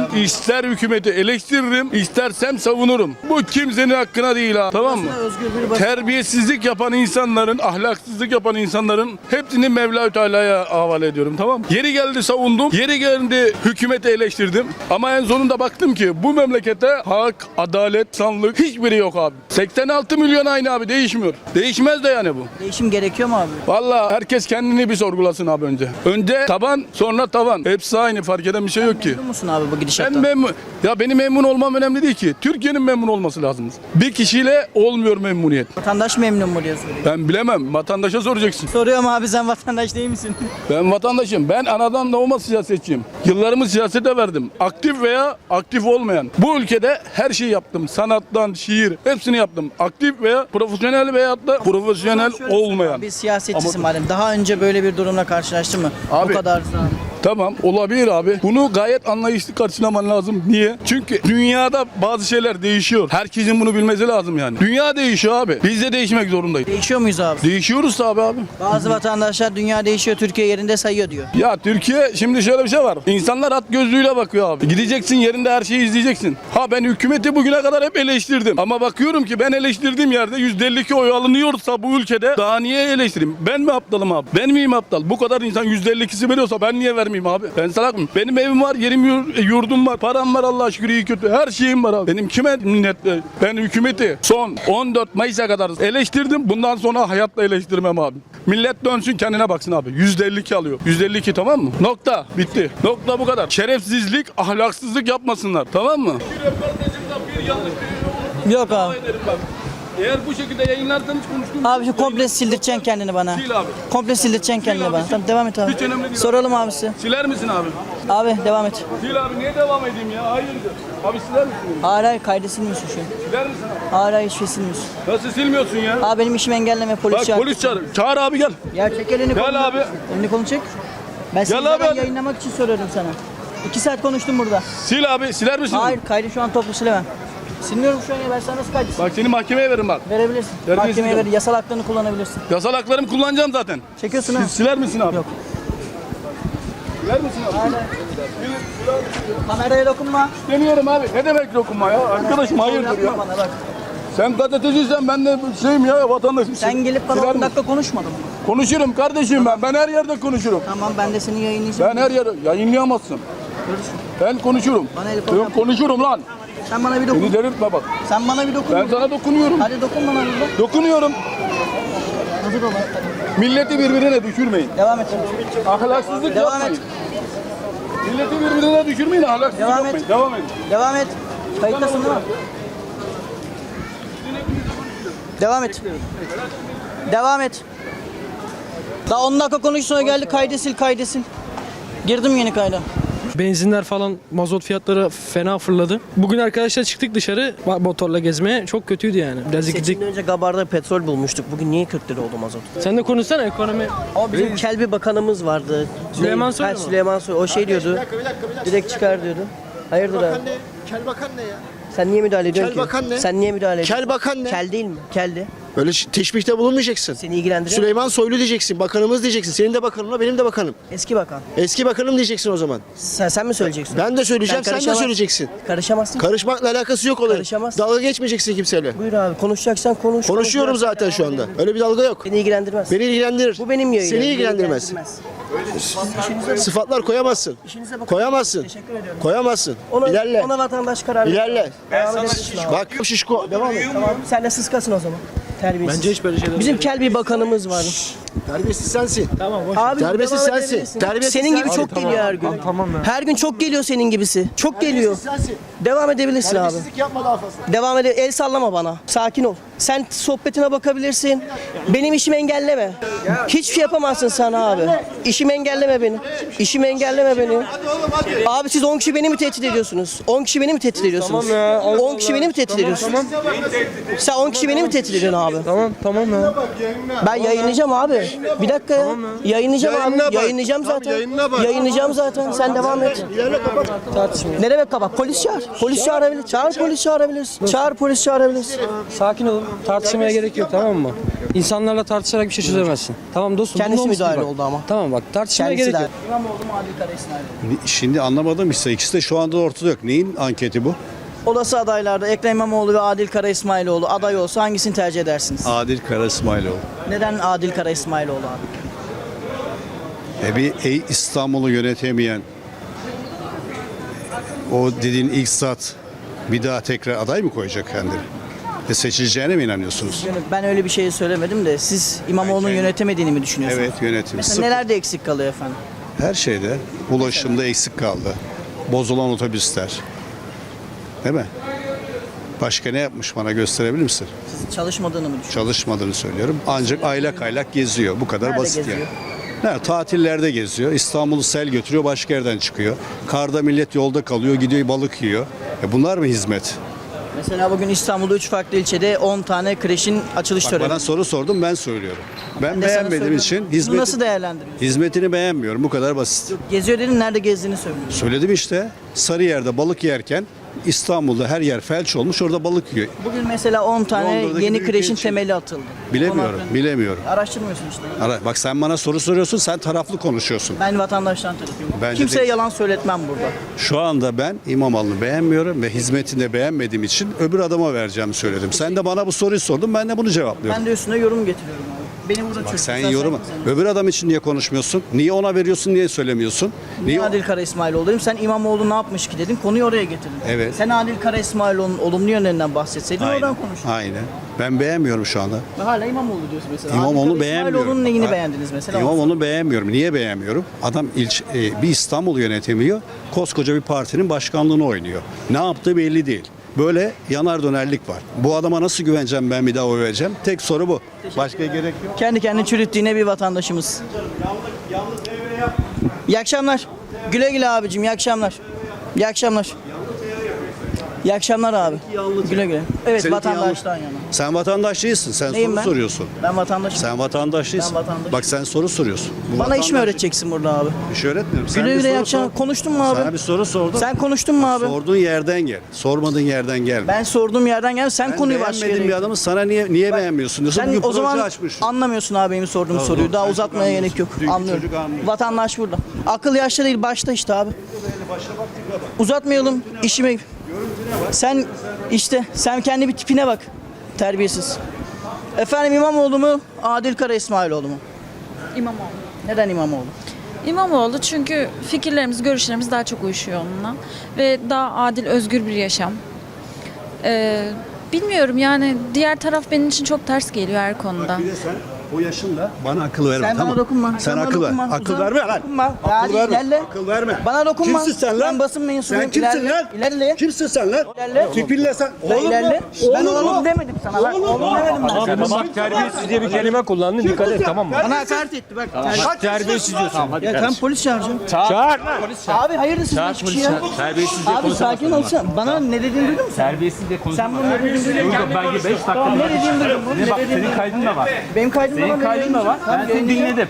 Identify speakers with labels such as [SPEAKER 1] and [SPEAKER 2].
[SPEAKER 1] İster hükümeti eleştiririm, istersem savunurum. Bu kimsenin hakkına değil ha. Tamam mı? Terbiyesizlik yapan insanların, ahlaksızlık yapan insanların hepsini Mevla-u Teala'ya havale ediyorum. Tamam mı? Yeri geldi savundum. Yeri geldi hükümeti eleştirdim. Ama en sonunda baktım ki bu memlekette hak, adalet, sanlık hiçbiri yok abi. 86 milyon aynı abi, değişmiyor. Değişmez de yani bu.
[SPEAKER 2] Değişim gerekiyor mu abi?
[SPEAKER 1] Vallahi herkes kendini bir sorgulasın abi önce. Önce taban, sonra tavan. Hepsi aynı, fark eden bir şey yok ki.
[SPEAKER 2] Memnun musun abi bu
[SPEAKER 1] Ben
[SPEAKER 2] gidişattan?
[SPEAKER 1] memnun. Ya benim memnun olmam önemli değil ki. Türkiye'nin memnun olması lazım. Bir kişiyle olmuyor memnuniyet.
[SPEAKER 2] Vatandaş memnun mu diye soruyor.
[SPEAKER 1] Ben bilemem. Vatandaşa soracaksın.
[SPEAKER 2] Soruyorum abi, sen vatandaş değil misin?
[SPEAKER 1] Ben vatandaşım. Ben anadan doğma siyasetçiyim. Yıllarımı siyasete verdim. Aktif veya aktif olmayan. Bu ülkede her şeyi yaptım. Sanattan, şiir, hepsini yaptım. Aktif veya profesyonel veyahut da profesyonel olmayan.
[SPEAKER 2] Bir siyasetçisin madem. Daha önce böyle bir durumla karşılaştın mı?
[SPEAKER 1] Abi,
[SPEAKER 2] Bu kadar zaman.
[SPEAKER 1] Tamam, olabilir abi. Bunu gayet anlayışlı karşılaman lazım. Niye? Çünkü dünyada bazı şeyler değişiyor. Herkesin bunu bilmesi lazım yani. Dünya değişiyor abi. Biz de değişmek zorundayız.
[SPEAKER 2] Değişiyor muyuz abi?
[SPEAKER 1] Değişiyoruz tabii abi.
[SPEAKER 2] Bazı vatandaşlar dünya değişiyor, Türkiye yerinde sayıyor diyor.
[SPEAKER 1] Ya Türkiye, şimdi şöyle bir şey var. İnsanlar at gözlüğüyle bakıyor abi. Gideceksin, yerinde her şeyi izleyeceksin. Ha, ben hükümeti bugüne kadar hep eleştirdim. Ama bakıyorum ki ben eleştirdiğim yerde %52 oy alınıyorsa bu ülkede daha niye eleştireyim? Ben mi aptalım abi? Ben miyim aptal? Bu kadar insan %52'si veriyorsa ben niye vermeyeyim abi? Ben salak mıyım? Benim evim var, yerim, yurdum var, param var, Allah'a şükür, iyi kötü. Her şeyim var abi. Benim kime minnet? Ben hükümeti son 14 Mayıs'a kadar eleştirdim. Bundan sonra hayatta eleştirmem abi. Millet dönsün, kendine baksın abi. %52 alıyor. %52, tamam mı? Nokta. Bitti. Nokta, bu kadar. Şerefsizlik, ahlaksızlık yapmasınlar. Tamam mı?
[SPEAKER 2] Yok abi.
[SPEAKER 1] Eğer bu şekilde yayınlarsanız konuştuğum...
[SPEAKER 2] Abi şu komple sildireceksin kendini bana.
[SPEAKER 1] Sil abi.
[SPEAKER 2] Komple sildireceksin kendini bana. Tamam, devam et abi.
[SPEAKER 1] Hiç önemli değil.
[SPEAKER 2] Soralım abisi.
[SPEAKER 1] Siler misin abi?
[SPEAKER 2] Abi devam et.
[SPEAKER 1] Sil abi, niye devam edeyim ya? Hayırdır? Abi siler misin?
[SPEAKER 2] Hayır hayır, kaydı silmiyorsun şu an.
[SPEAKER 1] Siler misin abi?
[SPEAKER 2] Hayır hayır, hiçbir şey silmiyorsun.
[SPEAKER 1] Nasıl silmiyorsun ya?
[SPEAKER 2] Abi benim işimi engelleme, polis
[SPEAKER 1] Bak,
[SPEAKER 2] çağır.
[SPEAKER 1] polis çağır. Çağır abi, gel.
[SPEAKER 2] Ya çek elini kolunu.
[SPEAKER 1] Gel abi.
[SPEAKER 2] Elini kolunu çek. Ben seni
[SPEAKER 1] Gel abi, hadi.
[SPEAKER 2] yayınlamak için soruyorum sana. 2 saat konuştum burada.
[SPEAKER 1] Sil abi, siler misin?
[SPEAKER 2] Hayır, kaydı şu an toplu silemem. Silmiyorum şu an ya, ben sana nasıl kaydı
[SPEAKER 1] Bak, seni mahkemeye verin bak.
[SPEAKER 2] verebilirsin.
[SPEAKER 1] Terbiyesiz
[SPEAKER 2] Mahkemeye
[SPEAKER 1] adam.
[SPEAKER 2] ver, yasal haklarını kullanabilirsin.
[SPEAKER 1] Yasal haklarımı kullanacağım zaten.
[SPEAKER 2] Çekiyorsun ha.
[SPEAKER 1] Siler misin abi?
[SPEAKER 2] Yok.
[SPEAKER 1] Siler misin abi?
[SPEAKER 2] Hayır. Kameraya dokunma.
[SPEAKER 1] Demiyorum abi. Ne demek dokunma ya? Arkadaşım hayırdır
[SPEAKER 2] Yapma
[SPEAKER 1] ya?
[SPEAKER 2] bana bak.
[SPEAKER 1] Sen gazeteciysen ben de şeyim ya, vatandaşım.
[SPEAKER 2] Sen gelip bana
[SPEAKER 1] Siler
[SPEAKER 2] 10
[SPEAKER 1] misin?
[SPEAKER 2] dakika konuşmadın mı?
[SPEAKER 1] Konuşurum kardeşim ben. Ben her yerde konuşurum.
[SPEAKER 2] Tamam, ben de seni yayınlayacağım.
[SPEAKER 1] Ben her yerde yayınlayamazsın. Ben konuşurum.
[SPEAKER 2] Bana el kol
[SPEAKER 1] Ben
[SPEAKER 2] yap.
[SPEAKER 1] konuşurum lan.
[SPEAKER 2] Sen bana bir
[SPEAKER 1] Beni
[SPEAKER 2] dokun.
[SPEAKER 1] delirtme bak.
[SPEAKER 2] Sen bana bir dokun.
[SPEAKER 1] Ben sana dokunuyorum.
[SPEAKER 2] Hadi dokun bana bir de.
[SPEAKER 1] Dokunuyorum.
[SPEAKER 2] Hazır ol.
[SPEAKER 1] Milleti birbirine düşürmeyin.
[SPEAKER 2] Devam et.
[SPEAKER 1] Ahlaksızlık
[SPEAKER 2] Devam
[SPEAKER 1] yapmayın.
[SPEAKER 2] et.
[SPEAKER 1] Milleti birbirine düşürmeyin. Ahlaksızlık
[SPEAKER 2] Devam
[SPEAKER 1] yapmayın.
[SPEAKER 2] et.
[SPEAKER 1] Devam edin.
[SPEAKER 2] Devam et. Kayıttasın değil mi? Devam et. Devam et. Daha 10 dakika konuş, sonra geldi kaydı sil. Girdim yeni kayda.
[SPEAKER 3] Benzinler falan, mazot fiyatları fena fırladı. Bugün arkadaşlar çıktık dışarı motorla gezmeye. Çok kötüydü yani. Biraz gidecek.
[SPEAKER 4] Seçimden önce Gabar'da petrol bulmuştuk. Bugün niye 40 lira oldu mazot?
[SPEAKER 3] Sen de konuşsana ekonomi.
[SPEAKER 4] Ama bizim Kelbi Bakanımız vardı.
[SPEAKER 3] Süleyman Soylu
[SPEAKER 4] Ha,
[SPEAKER 3] mu?
[SPEAKER 4] Süleyman Soylu. O şey diyordu. Direkt çıkar diyordu. Hayırdır abi?
[SPEAKER 5] Kel bakan ne ya?
[SPEAKER 4] Sen niye müdahale ediyorsun
[SPEAKER 5] Kel
[SPEAKER 4] ki?
[SPEAKER 5] bakan ne?
[SPEAKER 4] Sen niye müdahale ediyorsun?
[SPEAKER 5] Kel bakan ne?
[SPEAKER 4] Kel değil mi? Keldi.
[SPEAKER 5] Böyle teşbihte bulunmayacaksın.
[SPEAKER 4] Seni ilgilendiriyor mu?
[SPEAKER 5] Süleyman Soylu diyeceksin, bakanımız diyeceksin. Senin de bakanınla benim de bakanım.
[SPEAKER 4] Eski bakan.
[SPEAKER 5] Eski bakanım diyeceksin o zaman.
[SPEAKER 4] Sen mi söyleyeceksin?
[SPEAKER 5] Ben de söyleyeceğim, sen de
[SPEAKER 4] karışamaz-
[SPEAKER 5] söyleyeceksin.
[SPEAKER 4] Karışamazsın.
[SPEAKER 5] Karışmakla alakası yok olayın.
[SPEAKER 4] Karışamazsın.
[SPEAKER 5] Dalga geçmeyeceksin kimseyle.
[SPEAKER 4] Buyur abi, konuşacaksan konuş.
[SPEAKER 5] Konuşuyorum zaten şu anda. Öyle bir dalga yok.
[SPEAKER 4] Beni ilgilendirmez.
[SPEAKER 5] Beni ilgilendirir.
[SPEAKER 4] Bu benim yayınım.
[SPEAKER 5] Seni
[SPEAKER 4] Beni
[SPEAKER 5] ilgilendirmez. Sıfatlar koyamazsın.
[SPEAKER 4] İşinize bakın.
[SPEAKER 5] Koyamazsın.
[SPEAKER 4] Teşekkür ediyorum.
[SPEAKER 5] Koyamazsın.
[SPEAKER 4] Ona,
[SPEAKER 5] İlerle.
[SPEAKER 4] ona vatandaş karar verir.
[SPEAKER 5] İlerle.
[SPEAKER 4] Devam edebilirsin abi.
[SPEAKER 5] Bak şişko. Devam et.
[SPEAKER 4] Tamam. Sen de sıskasın o zaman. Terbiyesiz.
[SPEAKER 3] Bence hiç böyle şeyler
[SPEAKER 4] Bizim kel bir bakanımız var.
[SPEAKER 5] Terbiyesiz sensin.
[SPEAKER 3] Tamam boş.
[SPEAKER 4] Abi
[SPEAKER 5] Terbiyesiz
[SPEAKER 4] devam
[SPEAKER 5] sensin.
[SPEAKER 4] edebilirsin.
[SPEAKER 5] Terbiyesiz
[SPEAKER 4] senin gibi
[SPEAKER 5] sensin.
[SPEAKER 4] çok geliyor her gün.
[SPEAKER 3] Tamam ya.
[SPEAKER 4] Her gün çok geliyor senin gibisi. Çok geliyor.
[SPEAKER 5] Sensin.
[SPEAKER 4] Devam edebilirsin abi.
[SPEAKER 5] Terbiyesizlik yapma daha fazla.
[SPEAKER 4] Devam ede. El sallama bana. Sakin ol. Sen sohbetine bakabilirsin. Benim işimi engelleme. Hiçbir şey yapamazsın sen abi. İşimi engelleme beni. İşimi engelleme beni. Abi siz 10 kişi beni mi tehdit ediyorsunuz? 10 kişi beni mi tehdit ediyorsunuz?
[SPEAKER 3] Tamam ya, Allah
[SPEAKER 4] 10 kişi beni mi tehdit ediyorsun? Sen 10 kişi beni mi tehdit ediyorsun abi?
[SPEAKER 3] Tamam ya.
[SPEAKER 4] Ben yayınlayacağım abi. Bir dakika ya. Yayınlayacağım
[SPEAKER 5] Yayınla
[SPEAKER 4] abi.
[SPEAKER 5] bak.
[SPEAKER 4] Yayınlayacağım
[SPEAKER 5] Tamam,
[SPEAKER 4] zaten.
[SPEAKER 5] yayınla bak.
[SPEAKER 4] Yayınlayacağım zaten. Sen devam et. Ne demek kapat? Polis çağır. Polis çağırabilir. Çağır polis çağırabilirsin. Çağır polis çağırabilirsin.
[SPEAKER 3] Sakin olun. Tartışmaya gerek yok, tamam mı? İnsanlarla tartışarak bir şey çözemezsin. Tamam dostum.
[SPEAKER 2] Kendisi
[SPEAKER 3] bunun olsun
[SPEAKER 2] müdahale
[SPEAKER 3] bak.
[SPEAKER 2] oldu ama.
[SPEAKER 3] Tamam bak tartışmaya
[SPEAKER 2] Kendisi
[SPEAKER 3] gerek
[SPEAKER 2] de.
[SPEAKER 3] yok.
[SPEAKER 2] İmamoğlu mu Adil Kara İsmailoğlu mu?
[SPEAKER 6] Şimdi anlamadım işte ikisi de şu anda ortada yok. Neyin anketi bu?
[SPEAKER 2] Olası adaylarda Ekrem İmamoğlu ve Adil Kara İsmailoğlu aday olsa hangisini tercih edersiniz?
[SPEAKER 6] Adil Kara İsmailoğlu.
[SPEAKER 2] Neden Adil Kara İsmailoğlu abi?
[SPEAKER 6] Bir İstanbul'u yönetemeyen o dediğin ilk zat bir daha tekrar aday mı koyacak kendini? Seçileceğine mi inanıyorsunuz?
[SPEAKER 2] Ben öyle bir şey söylemedim de siz İmamoğlu'nun yönetemediğini mi düşünüyorsunuz?
[SPEAKER 6] Evet yönetim.
[SPEAKER 2] Mesela
[SPEAKER 6] Sıfır.
[SPEAKER 2] nelerde eksik kalıyor efendim?
[SPEAKER 6] Her şeyde. Ulaşımda eksik kaldı. Bozulan otobüsler. Değil mi? Başka ne yapmış bana gösterebilir misin?
[SPEAKER 2] Siz çalışmadığını mı düşünüyorsunuz?
[SPEAKER 6] Çalışmadığını söylüyorum. Ancak aylak aylak geziyor. Bu kadar
[SPEAKER 2] Nerede
[SPEAKER 6] basit
[SPEAKER 2] geziyor?
[SPEAKER 6] yani. Nerede? Tatillerde geziyor. İstanbul'u sel götürüyor, başka yerden çıkıyor. Karda millet yolda kalıyor, gidiyor balık yiyor. Bunlar mı hizmet?
[SPEAKER 2] Mesela bugün İstanbul'da 3 farklı ilçede 10 tane kreşin açılış
[SPEAKER 6] Bak
[SPEAKER 2] töreni.
[SPEAKER 6] bana soru sordum, ben söylüyorum. Ben
[SPEAKER 2] de sana
[SPEAKER 6] beğenmediğim
[SPEAKER 2] söylüyorum.
[SPEAKER 6] için
[SPEAKER 2] Bunu nasıl değerlendiriyorsun?
[SPEAKER 6] hizmetini beğenmiyorum. Bu kadar basit.
[SPEAKER 2] Geziyor dedin, nerede gezdiğini söylüyorsun.
[SPEAKER 6] Söyledim işte. Sarıyer'de balık yerken İstanbul'da her yer felç olmuş, orada balık yiyor.
[SPEAKER 2] Bugün mesela 10 tane
[SPEAKER 6] Londra'daki
[SPEAKER 2] yeni
[SPEAKER 6] bir
[SPEAKER 2] kreşin
[SPEAKER 6] ülke
[SPEAKER 2] temeli atıldı.
[SPEAKER 6] Bilemiyorum,
[SPEAKER 2] Konu hakkında.
[SPEAKER 6] bilemiyorum.
[SPEAKER 2] Araştırmıyorsun işte.
[SPEAKER 6] Bak sen bana soru soruyorsun, sen taraflı konuşuyorsun.
[SPEAKER 2] Ben vatandaştan tarafıyım.
[SPEAKER 6] Bence
[SPEAKER 2] Kimseye
[SPEAKER 6] değil.
[SPEAKER 2] yalan söyletmem burada.
[SPEAKER 6] Şu anda ben İmamoğlu'nu beğenmiyorum ve hizmetini de beğenmediğim için öbür adama vereceğimi söyledim. Sen de bana bu soruyu sordun, ben de bunu cevaplıyorum.
[SPEAKER 2] Ben de üstüne yorum getiriyorum abi. Beni burada
[SPEAKER 6] Bak
[SPEAKER 2] çürütün.
[SPEAKER 6] sen yorum. Öbür adam için niye konuşmuyorsun? Niye ona veriyorsun, niye söylemiyorsun?
[SPEAKER 2] Niye Adil Kara İsmailoğlu dedim. Sen İmamoğlu ne yapmış ki dedin. Konuyu oraya getirdin.
[SPEAKER 6] Evet.
[SPEAKER 2] Sen Adil Kara İsmailoğlu'nun olumlu yönlerinden bahsetseydin oradan konuş.
[SPEAKER 6] Aynen. Ben beğenmiyorum şu anda.
[SPEAKER 2] Ve hala İmamoğlu diyorsun mesela.
[SPEAKER 6] İmamoğlu'nu
[SPEAKER 2] Adil Kara
[SPEAKER 6] beğenmiyorum.
[SPEAKER 2] İsmailoğlu'nun neyini
[SPEAKER 6] Ha,
[SPEAKER 2] beğendiniz mesela?
[SPEAKER 6] İmamoğlu'nu beğenmiyorum. Niye beğenmiyorum? Adam bir İstanbul'u yönetemiyor. Koskoca bir partinin başkanlığını oynuyor. Ne yaptığı belli değil. Böyle yanar dönerlik var. Bu adama nasıl güveneceğim, ben bir daha oy vereceğim? Tek soru bu. Başka gerek yok.
[SPEAKER 2] Kendi kendini çürüttüğüne bir vatandaşımız. İyi akşamlar. Güle güle abicim. İyi akşamlar. İyi akşamlar. İyi akşamlar abi. Güle güle. Evet,
[SPEAKER 6] Seninki
[SPEAKER 2] vatandaştan
[SPEAKER 6] yanlış.
[SPEAKER 2] yana.
[SPEAKER 6] Sen vatandaş değilsin. Sen
[SPEAKER 2] Neyim
[SPEAKER 6] soru
[SPEAKER 2] ben?
[SPEAKER 6] soruyorsun.
[SPEAKER 2] Ben vatandaşım.
[SPEAKER 6] Sen vatandaş değilsin.
[SPEAKER 2] Ben vatandaşım.
[SPEAKER 6] Bak sen soru soruyorsun. Bu
[SPEAKER 2] Bana iş mi
[SPEAKER 6] vatandaş-
[SPEAKER 2] öğreteceksin burada abi?
[SPEAKER 6] Bir şey öğretmiyorum. Sen
[SPEAKER 2] Güle
[SPEAKER 6] bir
[SPEAKER 2] güle iyi
[SPEAKER 6] soru
[SPEAKER 2] akşamlar.
[SPEAKER 6] sor.
[SPEAKER 2] Konuştun mu abi?
[SPEAKER 6] Sana bir soru sordum.
[SPEAKER 2] Sen konuştun mu abi?
[SPEAKER 6] Sorduğun yerden gel. Sormadığın yerden gelme.
[SPEAKER 2] Ben sorduğum yerden gel. Sen
[SPEAKER 6] Ben
[SPEAKER 2] konuyu başka
[SPEAKER 6] beğenmediğim
[SPEAKER 2] yere.
[SPEAKER 6] bir adamı sana niye beğenmiyorsun diyorsun.
[SPEAKER 2] Sen
[SPEAKER 6] Bugün
[SPEAKER 2] o zaman
[SPEAKER 6] proje açmış.
[SPEAKER 2] anlamıyorsun abi benim sorduğum
[SPEAKER 6] Doğru,
[SPEAKER 2] soruyu.
[SPEAKER 6] doğru.
[SPEAKER 2] Daha
[SPEAKER 6] Sen
[SPEAKER 2] uzatmaya
[SPEAKER 6] çok
[SPEAKER 2] gerek yok.
[SPEAKER 6] anlıyorsun.
[SPEAKER 2] Anlıyorum.
[SPEAKER 6] Çocuk anlıyor.
[SPEAKER 2] Vatandaş burada. Akıl yaşta değil başta işte abi. Uzatmayalım işime. Sen işte sen kendi bir tipine bak. Terbiyesiz. Efendim İmamoğlu mu? Adil Kara İsmailoğlu mu?
[SPEAKER 7] İmamoğlu.
[SPEAKER 2] Neden İmamoğlu?
[SPEAKER 7] İmamoğlu çünkü fikirlerimiz, görüşlerimiz daha çok uyuşuyor onunla. Ve daha adil, özgür bir yaşam. Bilmiyorum yani diğer taraf benim için çok ters geliyor her konuda.
[SPEAKER 6] Bir de sen o yaşında bana akıl verme.
[SPEAKER 2] Sen
[SPEAKER 6] tamam.
[SPEAKER 2] bana dokunma.
[SPEAKER 6] Sen
[SPEAKER 2] bana
[SPEAKER 6] akıl ver.
[SPEAKER 2] dokunma.
[SPEAKER 6] Akıl
[SPEAKER 2] Uzan.
[SPEAKER 6] verme lan.
[SPEAKER 2] Dokunma.
[SPEAKER 6] Akıl
[SPEAKER 2] Hadi
[SPEAKER 6] verme.
[SPEAKER 2] ilerle.
[SPEAKER 6] Akıl verme.
[SPEAKER 2] Bana dokunma.
[SPEAKER 6] Kimsin sen lan?
[SPEAKER 2] Ben basın mensubuyum.
[SPEAKER 6] Sen kimsin
[SPEAKER 2] İlerle.
[SPEAKER 6] lan?
[SPEAKER 2] İlerle.
[SPEAKER 6] Kimsin sen lan?
[SPEAKER 2] İlerle.
[SPEAKER 6] Tipinle sen.
[SPEAKER 2] Ben ilerle. Ben
[SPEAKER 6] Oğlum
[SPEAKER 2] oğlum
[SPEAKER 6] mu?
[SPEAKER 2] demedim sana. Bak, oğlum demedim ben sana.
[SPEAKER 8] Bak terbiyesiz diye bir kelime kullandın, dikkat et, tamam mı?
[SPEAKER 2] Bana hakaret etti bak.
[SPEAKER 8] Terbiyesiz diyorsun.
[SPEAKER 2] Ya sen polis çağıracağım.
[SPEAKER 8] Çağır.
[SPEAKER 2] Abi hayırdır siz
[SPEAKER 8] Çağır
[SPEAKER 2] beş kişi
[SPEAKER 8] polisi.
[SPEAKER 2] ya.
[SPEAKER 8] Terbiyesiz diye
[SPEAKER 2] Abi sakin olsana. Bana ne dediğini duydun mu sen?
[SPEAKER 8] Terbiyesiz diye konuşma.
[SPEAKER 2] Sen bunu ne dediğini duydun mu?
[SPEAKER 8] Belki 5 dakika.
[SPEAKER 2] Tamam ne dediğini duydun mu?
[SPEAKER 8] Bak senin kaydın da var.
[SPEAKER 2] Benim kaydım
[SPEAKER 8] Senin kaydın da var. Ben seni dinledim.